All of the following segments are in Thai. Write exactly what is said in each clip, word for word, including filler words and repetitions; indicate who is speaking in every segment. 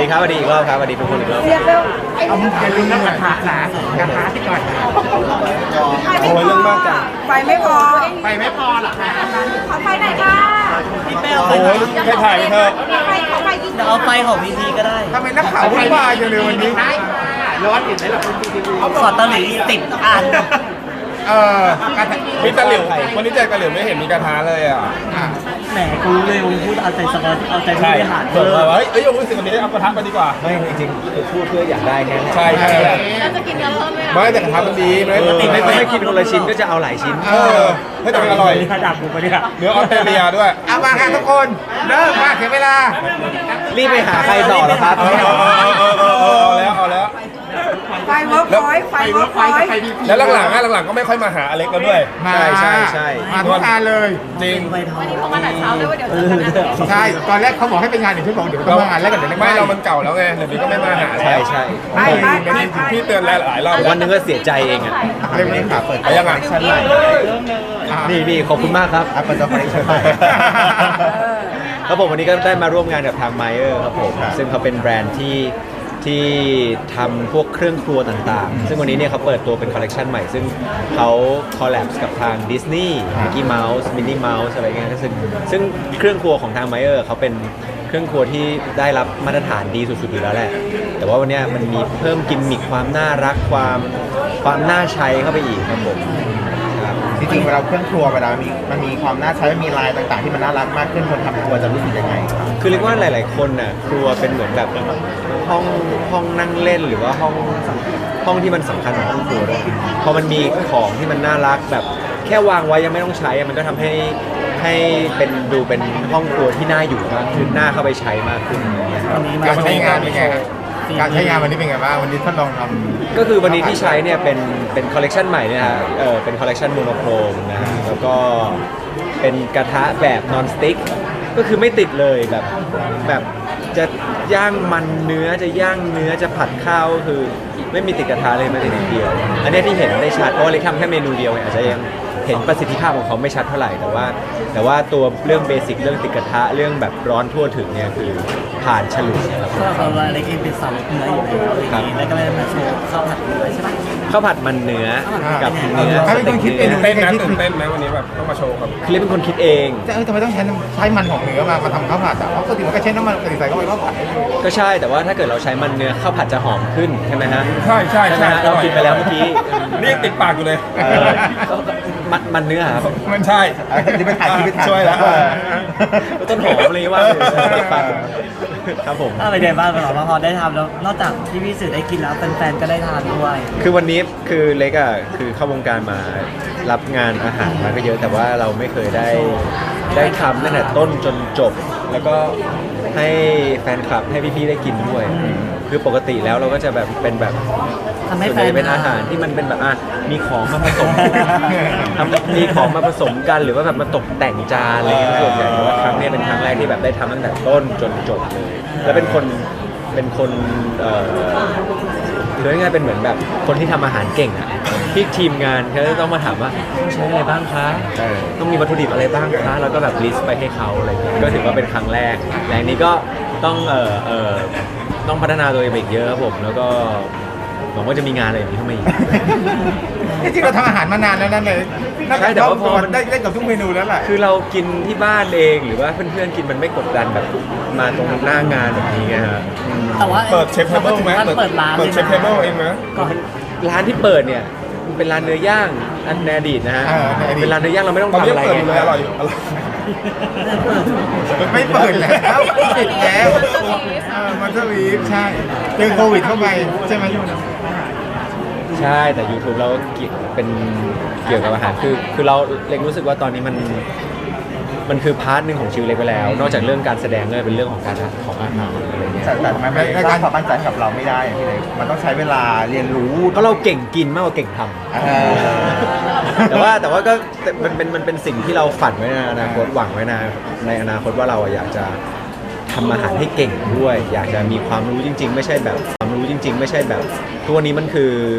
Speaker 1: ดีครับสวัสดีอีกรอบครับสวัสดีทุกคนอีกรอบ
Speaker 2: เอามึงอย่าลืมน้ำกระทะนะกระทะที่ก่อน
Speaker 1: โอ้ยเรื่องมากจัง
Speaker 3: ไฟไม่พอ
Speaker 2: ไปไม่พอหรอคะ
Speaker 3: ขอไฟหน่อยค่ะ
Speaker 4: พี่เป้เอา
Speaker 1: โอ้ยแค่ถ่ายไปเถอะ
Speaker 3: ไฟขอไฟยิง
Speaker 4: เดี๋ยวเอาไฟของพีพีก็ได้
Speaker 2: ทำไมนักข่าววุ่นวายอยู่เลยวันนี้ร้อนอยู่ไหนล่ะคุณทีวี
Speaker 4: ขอตะหลิวสิบอัน
Speaker 2: เออกระทะ
Speaker 1: มีตะหลิววันนี้เจอกระหลิวไม่เห็นมีกระทะเลยอ่ะ
Speaker 2: อ่ะ
Speaker 4: แหมกูรู้เลยมึงพูดเอาใจสบายเอาใจผู้
Speaker 1: ใช่
Speaker 4: บริหาร
Speaker 1: เออเฮ้ยเอ้ยรู้สึกวันนี้เอากระทะมาดีกว่าไม่จริงๆคือพูดเพื่ออยากได้แค่ใช่ใช่
Speaker 3: เราจะกินกันเพิ่มไหม
Speaker 1: ไม่แต่กระทะมันดีไม่ไม่ไม่กินคนละชิ้นก็จะเอาหลายชิ้นเออให้แต่มันอร่อย
Speaker 4: ระดับกูปะเนี่ย
Speaker 1: เนื้อออสเตรเลียด้วย
Speaker 2: เอามาค่ะทุกคนเริ่มมาถึงเวลา
Speaker 1: รีบไปหาใครต่อแล้วครับเออเออเออเออเอาแล้วเอาแล้ว
Speaker 3: ไฟเวิร์กพอยต์ไฟเวิร์กพอยต์
Speaker 1: แล้วหลังๆอ่ะหลังๆก็ไม่ค่อยมาหาอเล็กแล้วด้วย
Speaker 2: มา
Speaker 1: ใช่ใช่
Speaker 2: มาทุกงานเลย
Speaker 1: จริง
Speaker 4: ไปทอง
Speaker 3: เขามาแต่เช้าเลยว่าเดี๋ยวจะมา
Speaker 2: ใช่ตอนแรกเขาบอกให้ไปงานหนึ่งชั่วโมงเดี๋ยวต้องมางานแล้วกันเดี๋ยว
Speaker 1: ไม่เรามันเก่าแล้วไงเดี๋ยวนี้ก็ไม่มาหาใช่ใช่
Speaker 3: ไปไปไปไป
Speaker 1: พี่เตือนหลายๆรอบวันนึงก็เสียใจเองอ่ะ
Speaker 2: เรื่องนี้ค่ะเปิด
Speaker 1: ไปยังไงชั้นใหม่นี่นี่ขอบคุณมากครับ
Speaker 2: อ่ะเปิดตัวคอนเนคชั่นใหม่
Speaker 1: ครับผมวันนี้ก็ได้มาร่วมงานกับทางไมเออร์ครับผมซึ่งเขาเป็นแบรนด์ที่ที่ทำพวกเครื่องครัวต่างๆ ซึ่งวันนี้เนี่ยเขาเปิดตัวเป็นคอลเลกชันใหม่ ซึ่งเขาคอลแลบกับทางดิสนีย์มิกกี้เมาส์มินนี่เมาส์อะไรเงี้ยซึ่งซึ่งเครื่องครัวของทางไมเออร์เขาเป็นเครื่องครัวที่ได้รับมาตรฐานดีสุดๆอยู่แล้วแหละแต่ว่าวันนี้มันมีเพิ่มกิมมิคความน่ารักความความน่าใช้เข้าไปอีกครับผม
Speaker 5: จริงๆเวลาเครื่องครัวเวลามีมันมีความน่าใช้มันมีลายต่างๆที่มันน่ารักมากขึ้นคนทำครัวจะรู้สึกยังไงครับ
Speaker 1: คือเรียกว่าหลายๆคนน่ะครัวเป็นเหมือนแบบห้องห้องนั่งเล่นหรือว่าห้องห้องที่มันสำคัญของห้องครัวด้วยพอมันมีของที่มันน่ารักแบบแค่วางไว้ยังไม่ต้องใช้อะมันก็ทำให้ให้เป็นดูเป็นห้องครัวที่น่าอยู่มากขึ้นน่าเข้าไปใช้มากขึ้นนะครับ
Speaker 4: วันนี้มา
Speaker 2: การใช้งานเป็นไงครับการใช้งานวันนี้เป็นไงบ้างวันนี้ทดลองทำ
Speaker 1: ก็คือวันนี้ที่ใช้เนี่ยเป็นเป็นคอลเลกชันใหม่เนี่ยฮะเออเป็นคอลเลกชันโมโนโครมนะฮะแล้วก็เป็นกระทะแบบนอนสติ๊กก็คือไม่ติดเลยแบบแบบจะย่างมันเนื้อจะย่างเนื้อจะผัดข้าวคือไม่มีติดกระทะเลยแม้แต่นิดเดียวอันนี้ที่เห็นได้ชัดเพราะว่าเล็กทำแค่เมนูเดียวเนี่ยอาจจะยังเห็นประสิทธิภาพของเขาไม่ชัดเท่าไหร่แต่ว่า แต่ว่าตัวเรื่องเบสิกเรื่องติดกระทะเรื่องแบบร้อนทั่วถึงเนี่ยคือผ่านฉลุยครับ
Speaker 4: ก็เราเล็กเองเป็นสาวเนื้ออยู่แล้วอย่างนี้แล้วก็เลยมาโชว์ข้าวผัดเนื้อใช่ไหม
Speaker 1: ข้าวผัดมันเนื้อกับเนื้อ
Speaker 2: ให้เป็นคนคิดเอง
Speaker 1: ตื่นเต้นนะตื่นเต้นไหมวันนี้แบบต้องมาโชว์ครับคลิปเป็นคนคิดเอง
Speaker 2: จะเออทำไมต้องใช้น้ำใช้มันของเนื้อมามาทำข้าวผัดอ่ะเพราะปกติมันก็ใช้น้ำมันปกติใส่เข้าไปข้าวผัด
Speaker 1: ก็ใช่แต่ว่าถ้าเกิดเราใช้มันเนื้อข้าวผัดจะหอมขึ้นใช่ไหมฮะ
Speaker 6: ใช่ใช่
Speaker 1: ใช่ไหม
Speaker 6: ใช่
Speaker 1: ฮะเราคิดไปแล้วเมื่อกี้
Speaker 6: นี่ยังติดปากอยู่เลย
Speaker 1: เออมันมันเนื้อครับ
Speaker 6: มันใช่
Speaker 5: ที่ไปถ่ายที่ไปถ่าย
Speaker 1: ช่วยแล้วต้นหอมอะไรว่าครับผม
Speaker 4: อะไรเด่นบ้างเราพอได้ทำแล้วนอกจากที่พี่สื่อได้กินแล้วแฟนๆก็ได้ทานด้วย
Speaker 1: คือวันนี้คือเล็กอ่ะคือเข้าวงการมารับงานอาหารมาก็เยอะแต่ว่าเราไม่เคยได้ได้ทำตั้งแต่ต้นจนจบ แล้วก็ให้แฟนคลับให้พี่ๆได้กินด้วย คือปกติแล้วเราก็จะแบบเป็นแบบ
Speaker 4: ทำให้
Speaker 1: ส่วน
Speaker 4: แฟ
Speaker 1: ให
Speaker 4: น
Speaker 1: ญ่เป็นอาหารที่มันเป็นแบบอ่ะมีของมาผสมทำมีของมาผสมกันหรือว่าแบบมาตกแต่งจานอะไรเงี้ยส่วนใหญ่แต่ว่าครั้งนี้เป็นครั้งแรกที่แบบได้ทำตั้งแต่ต้นจนจบเลย แล้วเป็นคนเป็นคนเอ่อหรือง่ายๆเป็นเหมือนแบบคนที่ทำอาหารเก่งอ่ะที่ทีมงานเขาจะต้องมาถามว่าใช้อะไรบ้างคะต้องมีวัตถุดิบอะไรบ้างคะแล้วก็แบบลิสต์ไปให้เขาอะไรเงี้ยก็ถือว่าเป็นครั้งแรกและอันนี้ก็ต้องเอ่อเอ่อต้องพัฒนาตัวเองไปอีกเยอะครับผมแล้วก็หวังว่าจะมีงานอะไรอย่างนี้เข้ามาอีก
Speaker 2: จริงๆเราทำอาหารมานานแล้วนั่นเลย
Speaker 1: ใช่แต่ว่าพอมัน
Speaker 2: ได้ได้กับทุกเมนูแล้วแหละ
Speaker 1: คือเรากินที่บ้านเองหรือว่าเพื่อนๆกินมันไม่กดดันแบบมาตรงหน้างานแบบนี้ไงฮะอืม
Speaker 4: แต่ว่า
Speaker 6: เปิดเชฟเทเบิลไหม
Speaker 4: เปิดร้าน
Speaker 6: เปิดเชฟเทเบิลเองไหม
Speaker 4: ก่อน
Speaker 1: ร้านที่เปิดเนี่ยมันเป็นร้านเนื้อย่างอันในอดีตนะฮะ
Speaker 2: เออในอดีต
Speaker 1: เป็นร้านเนื้อย่างเราไม่ต้อง
Speaker 6: ตอน
Speaker 1: ทำ
Speaker 6: นี้
Speaker 1: อะไร
Speaker 6: เปิดอยู่เลย
Speaker 1: ไง
Speaker 6: อร่อยอยู่อร่อย
Speaker 2: มันไม่เปิดแล้วปิดแล้วเออมันสวีฟใช่เจอโควิดเข้าไปใช่ไหมช่วงนั้น
Speaker 1: ใช่แต่ YouTube เราเกี่ยวเป็นเกี่ยวกับอาหารคือคือเราเล็กรู้สึกว่าตอนนี้มันมันคือพาร์ทหนึ่งของชีวิตเล็กไปแล้ว นอกจากเรื่องการแสดงก็เป็นเรื่องของการของอาหารอะไรเงี้ย
Speaker 5: แต่แต่มันไม่ได้สร้างความมั่นใจให้กับเราไม่ได้อย่างที่เลยมันต้องใช้เวลาเรียนรู้
Speaker 1: เพราะเราเก่งกินมากกว่าเก่งทำ
Speaker 5: เออ
Speaker 1: แต่ว่าแต่ว่าก็มันเป็นมันเป็นสิ่งที่เราฝันไว้ในอนาคตหวังไว้ในในอนาคตว่าเราอยากจะทำอาหารให้เก่งด้วย อยากจะมีความรู้จริง ๆ ไม่ใช่แบบความรู้จริง ๆ ไม่ใช่แบบทุกวันนี้มันคือ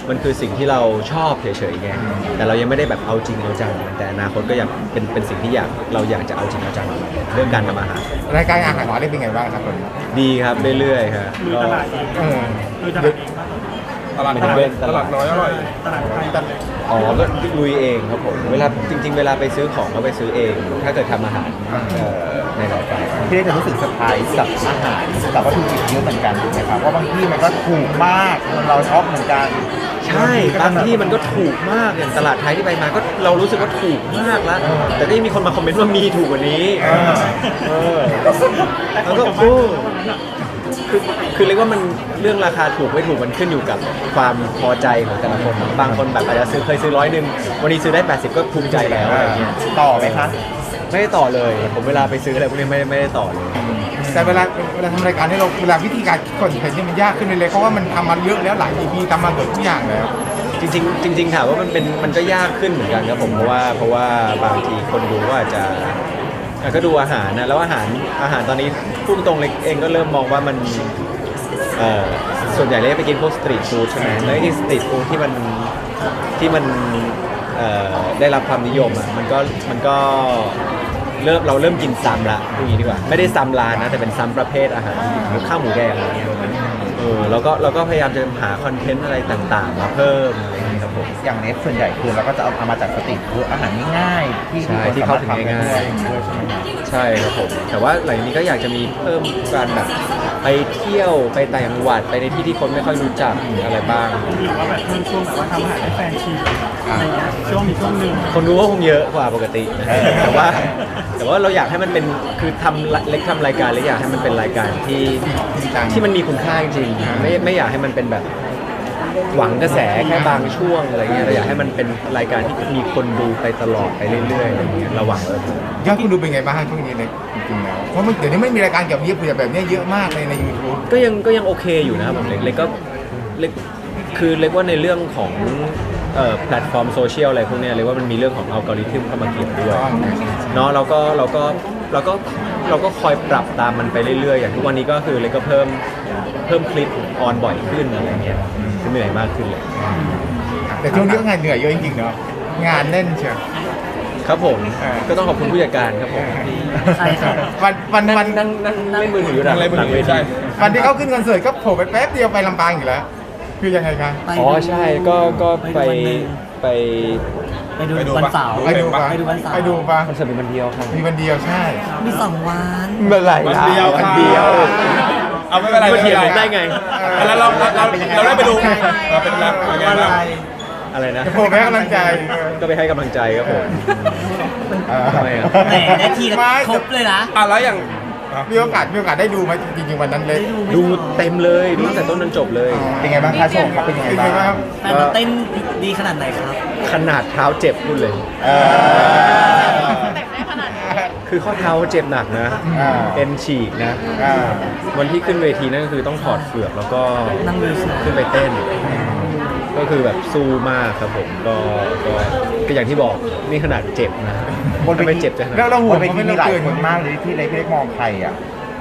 Speaker 1: มันคือสิ่งที่เราชอบเฉยๆไงแต่เรายังไม่ได้แบบเอาจริงเอาจังแต่อนาคตก็อยากเป็นเป็นสิ่งที่อยากเราอยากจะเอาจริงเอาจังเรื่องการทำอาหาร
Speaker 2: รายการอาหารหมอได้เป็นไงบ้างครับคน
Speaker 1: ดีครับเรื่อยๆครับก็
Speaker 2: เออ
Speaker 6: ตลาด
Speaker 1: ไม่
Speaker 6: น้
Speaker 1: ต้
Speaker 6: อ
Speaker 1: อง
Speaker 6: ย
Speaker 1: เล่น
Speaker 6: ตลาดน้อยอร่อย
Speaker 1: อ๋อก็ลุยเองครับผมเวลาจริง ๆ เวลาไปซื้อของก็ไปซื้อเอง ถ้าเกิดทำอาหารเอ่อในรายการ
Speaker 5: พี่เล็กจะรู้สึกเซอร์ไพรส์กับอาหารกับวัตถุดิบเยอะเหมือนกันถูกไหมครับว่าบางที่มันก็ถูกมากจนเราช็อกเหมือนกัน
Speaker 1: ใช่บางที่มันก็ถูกมากอย่างตลาดไทยที่ไปมาก็เรารู้สึกว่าถูกมากแล้ว แต่ก็ยังมีคนมาคอมเมนต์ว่ามีถูกกว่านี้เออแล้วก็โอ้คือคือเรียกว่ามันเรื่องราคาถูกไม่ถูกมันขึ้นอยู่กับความพอใจของแต่ละคนบางคนแบบอาจจะซื้อเคยซื้อร้อยหนึ่งวันนี้ซื้อได้แปดสิบก็ภูมิใจแล้วอะไรเงี้ย
Speaker 5: ต่อไหมคะ
Speaker 1: ไม่ได้ต่อเลยผมเวลาไปซื้ออะไรพวกนี้ไม่ไม่ได้ต่อเลย
Speaker 2: แต่เวลาเวลาทำรายการให้เราเวลาวิธีการคอนเทนต์นี่มันยากขึ้นเลยเพราะว่ามันทำมาเยอะแล้วหลาย อี พี ทำมาเกือบทุกอย่างแล้ว
Speaker 1: จริงๆจริงๆถามว่ามันเป็นมันก็ยากขึ้นเหมือนกันครับผมเพราะว่าเพราะว่าบางทีคนดูก็อาจจะอ่ะก็ดูอาหารนะแล้วอาหารอาหารตอนนี้พูดตรงๆเล็กเองก็เริ่มมองว่ามันเอ่อส่วนใหญ่เลยไปกินพวกสตรีทฟู้ดใช่ไหมแล้วไอ้สตรีทฟู้ดที่มันที่มันเอ่อได้รับความนิยมอ่ะมันก็มันก็เริ่มเราเริ่มกินซ้ำละพูดอย่างนี้ดีกว่าไม่ได้ซ้ำร้านนะแต่เป็นซ้ำประเภทอาหารหรือข้าวหมูแดงอะไรเงี้ยเออแล้วก็เราก็พยายามจะหาคอนเทนต์อะไรต่างๆมาเพิ่มอะไรอย่างเงี้ยครับผม
Speaker 5: อย่างเน็ตส่วนใหญ่คือเราก็จะเอามาจากสตรีทฟู้ดอาหารง่ายๆที่
Speaker 1: ใช่
Speaker 5: คน
Speaker 1: ที่
Speaker 5: สา
Speaker 1: เข้า
Speaker 5: มารถ
Speaker 1: ถึง
Speaker 5: ทำได้
Speaker 1: ง่าย
Speaker 5: ด้วย
Speaker 1: ๆ
Speaker 5: ด้วยใช่ไหมครับ
Speaker 1: ใช่ครับผมแต่ว่าหลังจากนี้ก็อยากจะมีเพิ่มการแบบไปเที่ยวไปต่างจังหวัดไปในที่ที่คนไม่ค่อยรู้จักหรืออะไรบ้าง
Speaker 4: หรือว่าแบบเพิ่มช่วงแบบว่าทำอาหารให้แฟนชิมอะไรอย่างเงี้ยช่วงมีช่วงหนึ่ง
Speaker 1: คนรู้ว่าคงเยอะกว่าปกตินะแต่ว่าแต่ว่าเราอยากให้มันเป็นคือทำเล็กทำรายการเล็กอยากให้มันเป็นรายการที่ที่มันมีคุณค่าจริงๆไม่ไม่อยากให้มันเป็นแบบหวังกระแสแค่บางช่วงอะไรเงี้ยเราอยากให้มันเป็นรายการที่มีคนดูไปตลอดไปเรื่อยๆอะไรเงี้ยเราหวังเลย
Speaker 2: ยอดคุณดูเป็นไงบ้างช่วงนี้เลยจริงๆแล้วเพราะมันเดี๋ยวนี้ไม่มีรายการเกี่ยวกับเกี่ยวกับแบบนี้เยอะมากเลยใน ยูทูบ
Speaker 1: ก็ยังก็ยังโอเคอยู่นะครับผมเล็กเล็กก็เล็กคือเล็กว่าในเรื่องของเอ่อแพลตฟอร์มโซเชียลอะไรพวกเนี้ยเล็กว่ามันมีเรื่องของอัลกอริทึมเข้ามาเกี่ยวด้วยเนาะเราก็เราก็เราก็เราก็คอยปรับตามมันไปเรื่อยๆอย่างทุกวันนี้ก็คือเล็กก็เพิ่มเพิ่มคลิปออนบ่อยขึ้นอะไรเงี้ยคือเหนื่อยมากขึ้นเลย
Speaker 2: แต่ช่วงนี้ก็งานเหนื่อยเยอะจริงๆเนาะงานแน่นเชียว
Speaker 1: ครับผม
Speaker 2: เออ
Speaker 1: ก็ต้องขอบคุณผู้จัดการครับผม
Speaker 4: ใช่ครับ
Speaker 2: วันวัน
Speaker 1: นั่
Speaker 2: วัน
Speaker 1: งนั่งนั่งเล่นมือถืออยู่หลัง
Speaker 6: อะไรมือ
Speaker 1: หลัง
Speaker 6: ถื
Speaker 1: เว
Speaker 6: อ
Speaker 1: ที
Speaker 6: ใช่
Speaker 2: วันที่เขาขึ้นคอนเสิร์ตก็โผล่ไปแป๊บเดียวไปลำปางอยู่แล้ว คือยังไงคะ
Speaker 4: ไป
Speaker 1: อ๋อใช่ก็ก็ไป
Speaker 4: ไปดูวันหนึ่ง
Speaker 1: ไป
Speaker 4: ไปดูวันเสาร์
Speaker 2: ไปดูปะ
Speaker 4: ไปดูวันเสาร์
Speaker 2: ไปดูปะ
Speaker 1: คอนเสิร์ตเป็นวันเดียวครับ
Speaker 2: มีวันเดียวใช่
Speaker 4: มีสองวัน
Speaker 1: เมื่อไหร่
Speaker 6: วัน
Speaker 1: ล่ะ
Speaker 6: เดียว
Speaker 1: วันเดียว
Speaker 6: เอาไม่เป็นไร
Speaker 1: มาเถียง
Speaker 6: ม่
Speaker 1: ผ
Speaker 6: ป็
Speaker 1: ม
Speaker 6: นร
Speaker 1: ได้ไง
Speaker 6: อ่ะแล้วเราเราเราเราได้ไปดูเราเป็นรับเป็นไงบ้าง
Speaker 1: อะไรนะ
Speaker 2: โผล่ไปให้กำลังใจ
Speaker 1: ก็ไปให้กำลังใจครับผม
Speaker 2: เออ
Speaker 1: ทำไมอ่ะ
Speaker 4: แหมได้ทีละครบเลยนะ
Speaker 6: อ่ะแล้วอย่างอ่ะ
Speaker 2: มีโอกาสมีโอกาสได้ดูไหมจริงๆวันนั้นเลย
Speaker 1: ดูเต็มเลยดูตั้งแต่ต้นจนจบเลย
Speaker 5: เป็นไงบ้างคะโชว์ครับเป็นยังไง
Speaker 2: เป็นไง
Speaker 5: บ้าง
Speaker 2: บ้าง
Speaker 4: แฟนมาเต้นดีขนาดไหนครับ
Speaker 1: ขนาดเท้าเจ็บพูดเลย
Speaker 5: เออ
Speaker 3: แต่งได้ขนาดนี้
Speaker 1: คือข้อเท้าเจ็บหนักนะ
Speaker 5: อ่า
Speaker 1: เอ็นฉีกนะ
Speaker 5: อ่า
Speaker 1: วันที่ขึ้นเวทีนั่นก็คือต้องถอดเฟือกแล้วก็
Speaker 4: นั่งดูเฉย
Speaker 1: ขึ้นไปเต้น ก็คือแบบสู้มากครับผมก็ก็ก็อย่างที่บอกนี่ขนาดเจ็บนะ
Speaker 5: บนเวที
Speaker 1: ถ้าไม่เจ็บจะขนาด
Speaker 2: แล้ว
Speaker 1: ไหน
Speaker 2: เราห่
Speaker 5: บ
Speaker 2: วง
Speaker 5: นเว
Speaker 2: เขา
Speaker 5: ที
Speaker 2: ไม่
Speaker 5: มี
Speaker 2: เรา
Speaker 5: หลาย
Speaker 2: เกิน
Speaker 5: คนมากเลยที่เล็กเล็กมองใครอ่ะ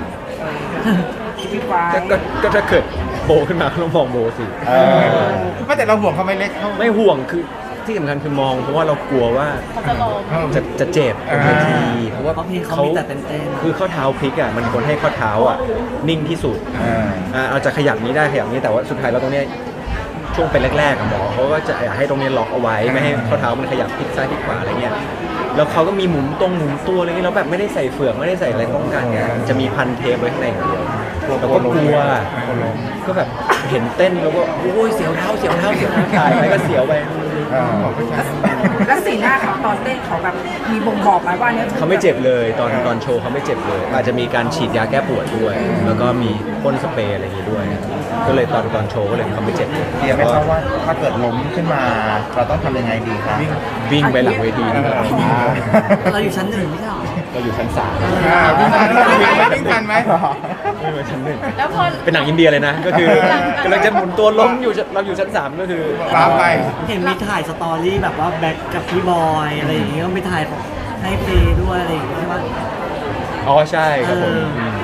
Speaker 1: ก็ก็ก็ถ้าเกิดโบขึ้นมาก็ต้องมองโบสิ
Speaker 5: เออ
Speaker 2: ไม่แต่เราห่วงเขาไม่เล็กเขา
Speaker 1: ไม่ห่วงคือที่สำคัญคือมองเพราะว่าเรากลัวว่า
Speaker 3: เขาจะลง
Speaker 2: เออ
Speaker 1: จะจะเจ็บบนเวทีเพราะว่า
Speaker 4: เพราะเพลงเขามีแต่เต้นๆ
Speaker 1: คือข้อเท้าพลิกอ่ะมันควรให้ข้อเท้าอ่ะนิ่งที่สุด
Speaker 5: อ่า
Speaker 1: อ่าเอาจะขยับนี้ได้ขยับนี้แต่ว่าสุดท้ายแล้วตรงเนี้ยช่วงเป็นแรกๆอะหมอเขาก็จะอยากให้ตรงเนี้ยล็อกเอาไว้ไม่ให้ข้อเท้ามันขยับพลิกซ้ายพลิกขวาอะไรเงี้ยแล้วเขาก็มีหมุนตรงหมุนตัวอะไรเงี้ยแล้วแบบไม่ได้ใส่เฟือกไม่ได้ใส่อะไรป้องกันไงจะมีพันเทปไว้ข้างในอย่างเดียวแล้วก็กลัวก็แบบเห็นเต้นแล้วก็โอ้ยเสียวเท้าเสียวเท้าเสียวเท้าถ่ายไปก็เสียวไป
Speaker 5: อ่า
Speaker 3: แล้วสีหน้าเขาตอนเต้นเขาแบบมีบ่งบอกไหมว่าเนี้ย
Speaker 1: เขาไม่เจ็บเลยตอนตอนโชว์เขาไม่เจ็บเลย อาจจะมีการฉีดยาแก้ปวดด้วย แล้วก็มีพ่นสเปรย์อะไรอย่างงี้ด้วย ก็เลยตอนตอนโชว์ก็เลยเขาไม่เจ็บเลย
Speaker 5: เดียวไหมครับว่าถ้าเกิดล้มขึ้นมา เราต้องทำยังไงดีครับ
Speaker 1: วิ่งไปหลังเวทีนี่ครับ
Speaker 4: เราอยู่ชั้นหนึ่งไม่ใช่หรอ
Speaker 1: เราอยู่ชั้นสาม
Speaker 2: อ่าวิ่งทันไหมวิ่งทันไหม
Speaker 1: ไม่ไปชั้นหนึ่ง
Speaker 3: แล้วพอ
Speaker 1: เป็นหนังอินเดียเลยนะ ก็คือกำลังจะหมุนตัวล้มอยู่เราอยู่ชั้นสามก็คือ
Speaker 2: ตามไป
Speaker 4: เห็นมีถ่ายสตอรี่แบบว่าแบ็คกับพี่บอยอะไรอย่างเงี้ยก็มีถ่ายของให้เฟย์ด้วยอะไรอย่างเงี้ยใช่ปะ
Speaker 1: อ๋อใช่ครับผม
Speaker 4: เออ
Speaker 1: ม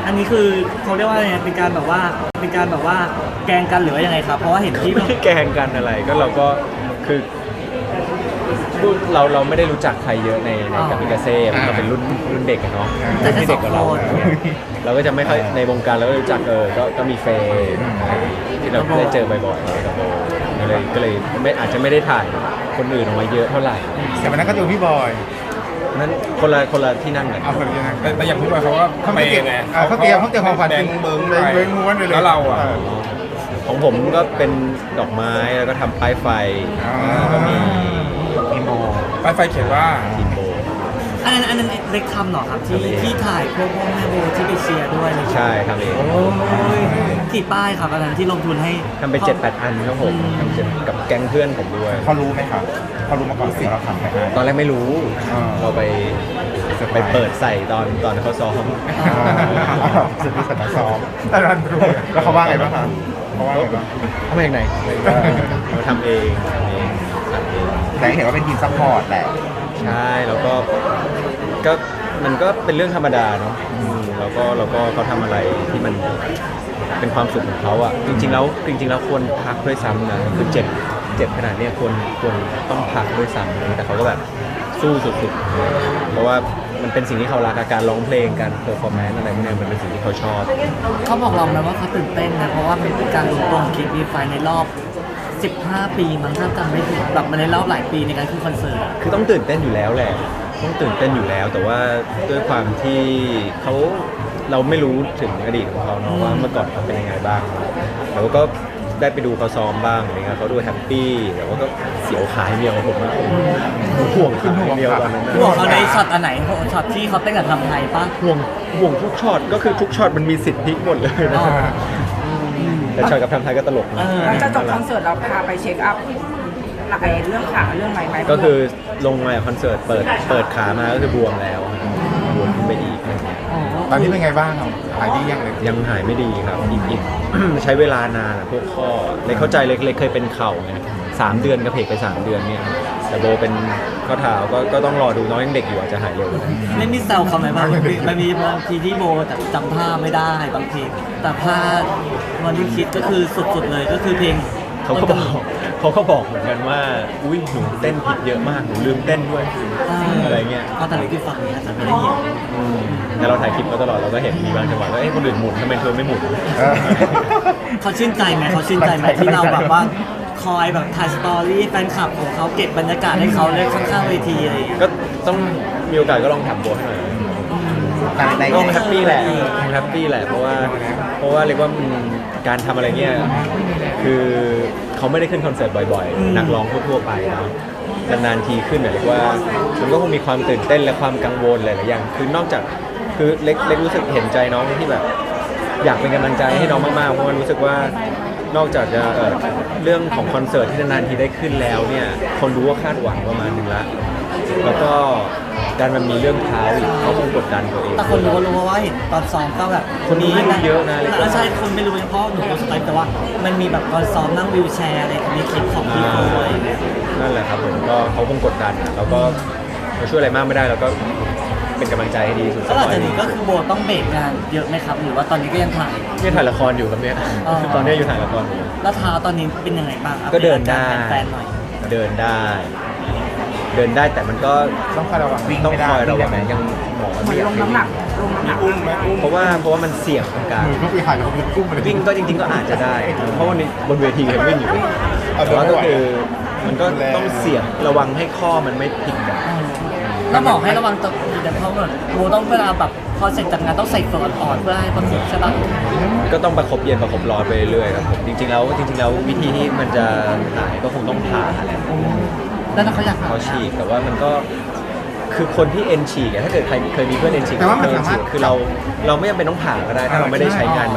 Speaker 4: อันนี้คือเขาเรียกว่าไงเป็นการแบบว่าเป็นการแบบว่าแกล้งกันหรือว่ายังไงครับเพราะว่าเห็นที่
Speaker 1: ไม่ได้แกล้งกันอะไรก็เราก็คือพูดเราเราไม่ได้รู้จักใครเยอะในในกามิกาเซ่มันก็เป็นรุ่นรุ่นเด็กอะเนาะรุ่นที่เด็กกว่าเราเราก็จะไม่ค่อยในวงการเราก็รู้จักเออก็ก็มีเฟย์ที่เราได้เจอบ่อยๆกับโบก็เลยก็เลยไม่อาจจะไม่ได้ถ่ายคนอื่นออกมาเยอะเท่าไหร่
Speaker 2: แต่วันนั้นก็ดูพี่บอย
Speaker 1: นั้นคนละคนละที่นั่งกัน
Speaker 2: เอาคนเดียวนะ
Speaker 6: แต่แต่อย่างพี่บอยเขาก็
Speaker 2: เขา
Speaker 6: ไป
Speaker 2: ไม่เก็บ
Speaker 6: ไง
Speaker 2: เออเขาเตรียมเขาเตรียมของขวัญ
Speaker 6: แบ
Speaker 2: เป็
Speaker 6: ง
Speaker 2: น
Speaker 6: ค์เบิ้ง
Speaker 2: แบงค์เบิ้งม้วนไปเลย
Speaker 6: แล้วเราอ่ะ
Speaker 1: ของผมก็เป็นดอกไม้แล้วก็ทำป้ายไฟแล้วก็มี
Speaker 5: มีโม
Speaker 6: ไปไฟเขียนว่า
Speaker 1: ทีมโบ
Speaker 4: อันนั้นอันนั้นเล็กทำเหรอครับที่ที่ถ่ายพวกพ่อแม่โบที่ไปเชียร์ด้วยเลย
Speaker 1: ใช่ครับเอง
Speaker 4: โอ้ยกี่ป้ายครับอันนั้นที่ลงทุนให้
Speaker 1: ทำไปเจ็ดแปดอันครับผมทำเจ็ดกับแก๊งเพื่อนผมด้วย
Speaker 5: เขารู้ไหมครับเขารู้มาก่อนสิเราทำไปให้
Speaker 1: ตอนแรกไม่รู้
Speaker 5: อ่า
Speaker 1: เราไปไปเปิดใส่ตอนตอนเขาซ้อม
Speaker 5: สุดที่สุดซ้อม
Speaker 2: ตอนนั้นรู้
Speaker 5: แล้วเขาว่าไงบ้างครับเขาว่าไงบ้าง
Speaker 1: เขามาจากไหนเราทำเองทำเองทำเอง
Speaker 5: แต่เห็นว่าเป็นทีมซัพพอร์ตแหละ
Speaker 1: ใช่แล้วก็ก็มันก็เป็นเรื่องธรรมดาเนาะอืมแล้วก็เราก็เขาทำอะไรที่มันเป็นความสุขของเขาอ่ะจริง ๆ แล้วจริง ๆ แล้วควรพักด้วยซ้ำนะคือเจ็บเจ็บขนาดเนี้ยควรควรต้องพักด้วยซ้ำแต่เขาก็แบบสู้สุดๆเพราะว่ามันเป็นสิ่งที่เขารักอะการร้องเพลงการเพอร์ฟอร์แมนซ์อะไรพวกเนี้ยมันเป็นสิ่งที่เขาชอบ
Speaker 4: เขาบอกเราไหมว่าเขาตื่นเต้นนะเพราะว่ามันเป็นการรวมตัวของคิดวีไฟในรอบสิบห้าปีมันถ้าจำไม่ผิดแบบมันในรอบหลายปีในการขึ้นคอนเสิร์ตอะ
Speaker 1: คือต้องตื่นเต้นอยู่แล้วแหละ ต้องตื่นเต้นอยู่แล้ว แต่ว่าด้วยความที่เขาเราไม่รู้ถึงอดีตของเขาเนาะว่าเมื่อก่อนเขาเป็นยังไงบ้างแต่ว่าก็ได้ไปดูเขาซ้อมบ้างอะไรเงี้ยเขาดูแฮปปี้แต่ว่าก็เสียวขายเดียวผมอะห่วงขายเดียวตอนนั้นนะ
Speaker 4: ห่วงเขาในช็อตอันไหนช็อตที่เขาเต้นกับทำไทยปะ
Speaker 1: ห่วงห่วงทุกช็อตก็คือทุกช็อตมันมีสิทธิ์พลิกหมดเลยนะ
Speaker 4: อ๋อ
Speaker 1: แต่ช็อตกับทำไทยก็ตลก
Speaker 4: เอ
Speaker 1: นะ
Speaker 4: อ
Speaker 3: หลังจากจบคอนเสิร์ตเราพาไปเช็คอัพไอ้เรื่องขาเรื่องไหมไหม
Speaker 1: ก็คือลงมาคอนเสิร์ตเปิดเปิดขามาก็คือบวมแล้วบวมขึ้นไปอีกอะไรเงี้ย
Speaker 2: ตอนนี้เป็นไงบ้างครับหายดียังเลย
Speaker 1: ยังหายไม่ดีครับอีกอีก ใช้เวลานานอะพวกข้อเล็กเข้าใจเล็กเล็กเคยเป็นเข่าไงสามเดือนกระเพกไปสามเดือนเนี่ยแต่โบเป็นข้อเท้าก็ก็ต้องรอดูน้องยังเด็กอยู่อาจจะหายเร็วก็ได้
Speaker 4: ไม่มีแซวเขาไหมบ้างมันมีบางทีที่โบแต่จำท่าไม่ได้บางทีแต่พลาดวันที่คิดก็คือสุดๆเลยก็คือเพลง
Speaker 1: เขาก็บอกเขาก็บอกเหมือนกันว่าอุ้ยหนูเต้นผิดเยอะมากหนูลืมเต้นด้วยอะไรเงี้ย
Speaker 4: เอาแต่เล็กที่ฟังนะแต่ไม่ได้ยิน
Speaker 1: อืมแต่เราถ่ายคลิปมาตลอดเราก็เห็นมีบางจังหวะว่าเอ้ยคนอื่นหมุนทำไมเธอไม่หมุน
Speaker 5: เออ
Speaker 4: เขาชื่นใจไหมเขาชื่นใจไหมที่เราแบบว่าคอยแบบถ่ายสตอรี่แฟนคลับของเขาเก็บบรรยากาศให้เขาเลยข้างๆเวทีอะไรอย่างเงี้ย
Speaker 1: ก็ต้องมีโอกาสก็ลองถามโบให้หน่อย
Speaker 5: แต่ใน
Speaker 1: ก็แฮปปี้แหละแฮปปี้แหละเพราะว่าเพราะว่าเรียกว่ามันการทำอะไรเงี้ยคือเขาไม่ได้ขึ้นคอนเสิร์ตบ่อยๆ นักร้องทั่วๆไปนะนานๆทีขึ้นเรียกว่ามันก็คงมีความตื่นเต้นและความกังวลหลายๆอย่างคือนอกจากคือเล็กเล็กรู้สึกเห็นใจน้องที่แบบ อยากเป็นกำลังใจให้น้องมากๆเพราะว่ารู้สึกว่านอกจากจะเอ่อเรื่องของคอนเสิร์ตที่นานๆทีได้ขึ้นแล้วเนี่ยคนรู้ว่าคาดหวังประมาณนึงละแล้วก็การมันมีเรื่องเท้าอีกเขาคงกดดันตัวเอง
Speaker 4: แต่คนรู้ก็รู้ว่าเห็นตอนซ้อมก็แบบ
Speaker 1: คนรู้ไม่รู้เยอะนะ
Speaker 4: แล้วใช่คนไม่รู้เฉพาะหนูรู้สไตล์แต่ว่ามันมีแบบตอนซ้อมนั่งวิวแชร์อะไรในคลิปของพี่โบอะไรอย่างเงี้ย
Speaker 1: นั่นแหละครับผมก็เขาคงกดดันอะแล้วก็เราช่วยอะไรมากไม่ได้เราก็เป็นกำลังใจให้ดีสุด
Speaker 4: แล้วหลังจากนี้ก็คือโบต้องเบรกงานเยอะไหมครับหรือว่าตอนนี้ก็ยังถ่าย
Speaker 1: นี่ถ่ายละครอยู่ครับเนี่ย
Speaker 4: อ๋อ
Speaker 1: ตอนนี้อยู่ถ่ายละครอยู่
Speaker 4: แล้วเท้าตอนนี้เป็นยังไงบ้างอัป
Speaker 1: ก็เดิน
Speaker 4: อา
Speaker 1: ได้
Speaker 4: การแฟนๆหน่อย
Speaker 1: เดินได้ เดินได้แต่มันก็
Speaker 5: ต้องคอยระวังวิ่ง
Speaker 1: ต้อง
Speaker 5: ไม่ได้
Speaker 1: คอยระวัง
Speaker 5: วิ่งได้ไหม
Speaker 1: ยังหมอ
Speaker 3: เหมื
Speaker 1: ไม่
Speaker 3: อน
Speaker 1: อยา
Speaker 3: ล
Speaker 1: ก
Speaker 3: ง
Speaker 1: ให้
Speaker 3: น้ำหนักลงน้ำหนัก
Speaker 6: อุ้มไหมอุ้ม
Speaker 1: เพราะว่าเพราะว่ามันเสี่ยงของการ
Speaker 2: มือก็ไปหายแล้วก็ไปกุ้มไปเลย
Speaker 1: วิ่งก็จริง ๆ ก็อาจจะได้ เพราะวันนี้บนเวทียังวิ่งอยู่
Speaker 2: เอา
Speaker 1: แต่ว่าก็
Speaker 2: เดินไม่ไหว
Speaker 1: คือมันก็ต้องเสี่ยงระวังให้ข้อมันไม่พลิกกัน
Speaker 4: แล้วบอกให้ระวังตัวเดี๋ยวเพราะว่าโบต้องเวลาแบบพอเสร็จจากงานต้องใส่เฟือกอ่อนๆเพื่อให้ประคบใช่ปะ
Speaker 1: ก็ต้องประคบเย็นประคบร้อนไปเรื่อยๆครับผมจริงๆแล้วจริงๆแล้ววิธีที่มันจะหายก็คงต้องผ่าแหละ
Speaker 4: แล้วถ้าเขาอยาก
Speaker 1: เขาฉีกแต่ว่ามันก็คือคนที่เอ็นฉีกอะถ้าเกิดใครเคยมีเพื่อนเอ็นฉีก
Speaker 2: แต่ว่ามัน
Speaker 1: เอ็น
Speaker 2: สามารถ
Speaker 1: ฉีกคือเราเราไม่จำเป็นต้องผ่าก็ได้ถ้าเราไม่ได้ใช้งานมัน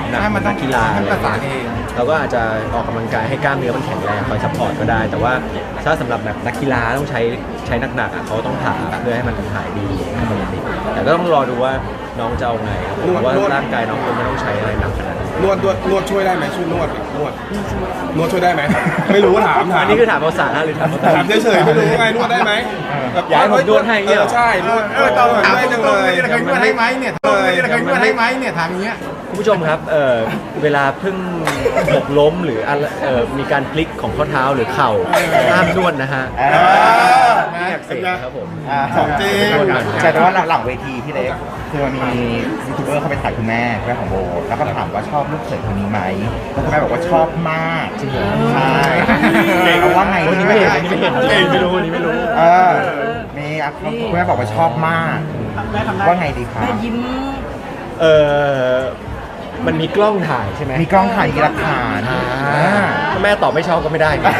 Speaker 1: หนัก
Speaker 2: ใช่มันต้อง
Speaker 1: นักกีฬา
Speaker 2: มันประสานเอง
Speaker 1: เราก็อาจจะออกกำลังกายให้กล้ามเนื้อมันแข็งแรงคอยซัพพอร์ตก็ได้ แต่ว่าถ้าสำหรับแบบนักกีฬาต้องใช้ใช้หนักๆอ่ะเขาต้องผ่าเพื่อให้มันหายดีให้มันดีแต่ก็ต้องรอดูว่าน้องจะเอาไงครับผมว่าร่างกายน้องคงไม่ต้องใช้อะไรหนักขนาดนั้น
Speaker 6: นวดนวดนวดช่วยได้ไหมช่วยนวดนวดนวดช่วยได้ไหมไม่รู้ถามถาม
Speaker 1: อันนี้คือถามภาษาหรือถามภาษา
Speaker 6: ถามเฉยๆไม่รู้ไงนวดได้ไหมแบบ
Speaker 1: อยากให้ผมนวดให้เงี้ยเหรอ
Speaker 6: ออใช่นวด
Speaker 2: เออตอนถาม
Speaker 6: ได้
Speaker 2: ต
Speaker 6: จัง
Speaker 2: ร
Speaker 6: เล
Speaker 2: งๆ
Speaker 6: ย
Speaker 2: เลยเคยนวดให้ไหมเนี่ยตรงๆเลยเคยนวดให้ไหมเนี่ยถามอย่างเงี้ย
Speaker 1: คุณผู้ชมครับเอ่อเวลาเพิ่งหกล้มหรืออะไรเอ่อมีการพลิกของข้อเท้าหรือเข่าห้ามนวดนะฮะ
Speaker 5: เออ
Speaker 1: ไม่อยากเสกครับผม
Speaker 5: อ่า
Speaker 6: ของจริง
Speaker 5: ใช่แต่ว่าหลังเวทีพี่เล็กคือมันมียูทูบเบอร์เข้าไปถ่ายคุณแม่แม่ของโบแล้วก็ถามว่าชอบลูกเขยคนนี้ไหมแล้วคุณแม่บอกว่าชอบมากจริงเหรอใช่เอาว่าไง
Speaker 1: วันนี้ไม่เห็นวันนี้ไม่เห็นเองไม่รู้วันนี้ไม่รู้
Speaker 5: เออมีอ่ะคุณแม่บอกว่าชอบมากว่าไงดีครับ
Speaker 3: แม่ยิ้ม
Speaker 1: เออมันมีกล้องถ่ายใช่ไหม
Speaker 5: มีกล้องถ่ายมีหลักฐาน
Speaker 1: อ่า
Speaker 5: อ่า
Speaker 1: ถ้าแม่ตอบไม่ชอบก็ไม่ได้ไง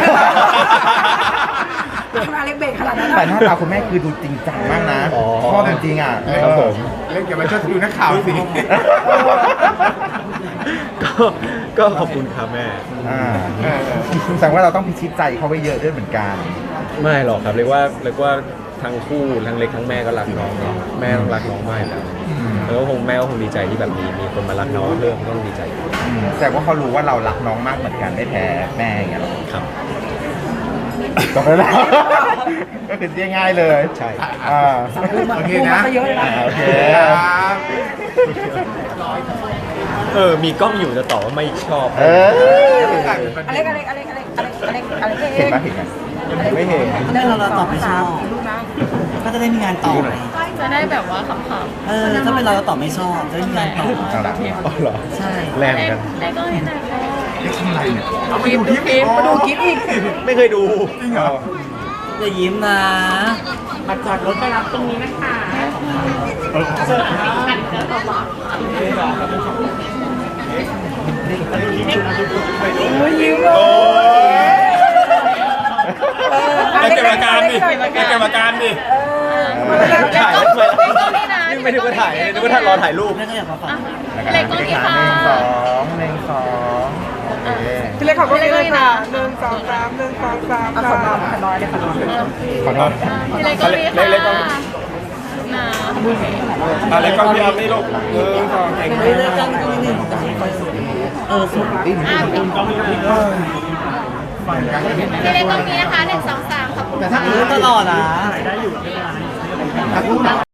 Speaker 3: ทำไมอเล็กเบรกขนาดนั้น
Speaker 5: แต่
Speaker 3: อะ
Speaker 5: หน้าตาคุณแม่คือดูจริงจังมากนะ
Speaker 1: อ๋อ
Speaker 5: ชอบจริงๆอ่ะ
Speaker 1: ครับผม
Speaker 2: เล่นกับมันชอบดูนักข่าวสิ
Speaker 1: ก็ก็ขอบคุณครับแม่
Speaker 5: อ่าแสดงว่าเราต้องพิชิตใจเขาไว้เยอะด้วยเหมือนกัน
Speaker 1: ไม่หรอกครับเรียกว่าเรียกว่าทั้งคู่ทั้งเล็กทั้งแม่ก็รักน้องเนาะแม่ต้องรักน้องมากอยู่แล้วแล้วก็คงแม่ก็คงดีใจที่แบบมีมีคนมารักน้องเพิ่มก็ต้องดีใจ
Speaker 5: อืมแต่ว่าเขารู้ว่าเรารักน้องมากเหมือนกันไม่แพ้แม่อย่างเงี้ยหรอ
Speaker 1: ครับ
Speaker 5: จบแล้ว ก็คือเรียกง่ายเลย
Speaker 1: ใช่
Speaker 5: อ่า
Speaker 2: โอเค
Speaker 3: พูด
Speaker 2: นะ
Speaker 3: มาซะเยอะเลยนะ
Speaker 5: โอเค
Speaker 2: ครับ
Speaker 1: เออมีกล้องอยู่จะตอบว่าไม่ชอบ
Speaker 5: เออ
Speaker 3: อเล็กอเล็กอเล็กอเล็กอเล็กอเล็กอเล็ก
Speaker 5: เห็นไหมเห็นไหม
Speaker 1: ไม่เห็น
Speaker 4: เรื่องเราเราตอบไม่ชอบ
Speaker 3: ลูกนะ
Speaker 4: ก็จะได้มีงานต่อไง
Speaker 7: จะได้แบบว่าขำ
Speaker 4: เออถ้าเป็นเราเราตอบไม่ชอบจะได้มีงานต่อ
Speaker 5: เอาละ
Speaker 1: อ๋อเหรอ
Speaker 4: ใช่
Speaker 1: แรง
Speaker 7: ๆ
Speaker 1: เหมื
Speaker 7: เล็
Speaker 1: อน
Speaker 7: ก
Speaker 1: กัน
Speaker 7: เล็กก็เห็นไหนคะ
Speaker 2: เอาไปดูคลิปอีก
Speaker 3: มาดูคลิปอีก
Speaker 1: ไม่เคยดู
Speaker 2: จริงเหรอ
Speaker 4: อย่ายิ้มนะ
Speaker 7: มาจอดรถไปรับตรงนี้นะคะเล็ก
Speaker 3: โอ้ยยิ้มเลย
Speaker 6: แล้วเก็บอาการดิแล้วเก็บอาการดิ
Speaker 1: ถ่าย
Speaker 7: เล็กก็ไม่นาน
Speaker 1: นี่ไม่ได้มาถ่ายนึกว่าถ่ายรอถ่ายรูป
Speaker 4: แม่ก็อยากมาฟัง
Speaker 7: เล็กก็มีค่ะ
Speaker 5: หนึ่งสองหนึ่งสองโอเค
Speaker 3: พี่เล็กขอบคุณเลยค่ะหนึ่งสองสามหนึ่งสองสามขอน้อยขอน้อยเลยขอน้อย
Speaker 5: ขอโทษ
Speaker 7: เล็กก็มีค่ะ
Speaker 6: เล็กก็
Speaker 7: นะ
Speaker 6: อะไรก็พี่อัพนี่ลูกหนึ่งสองเก่ง
Speaker 4: เฮ้ยเลิกกันนิดนึงเออสุด
Speaker 7: พี่เล็กก็มีนะคะหนึ่งสองสามขอบคุณค่ะ
Speaker 4: เออตลอดอ่ะ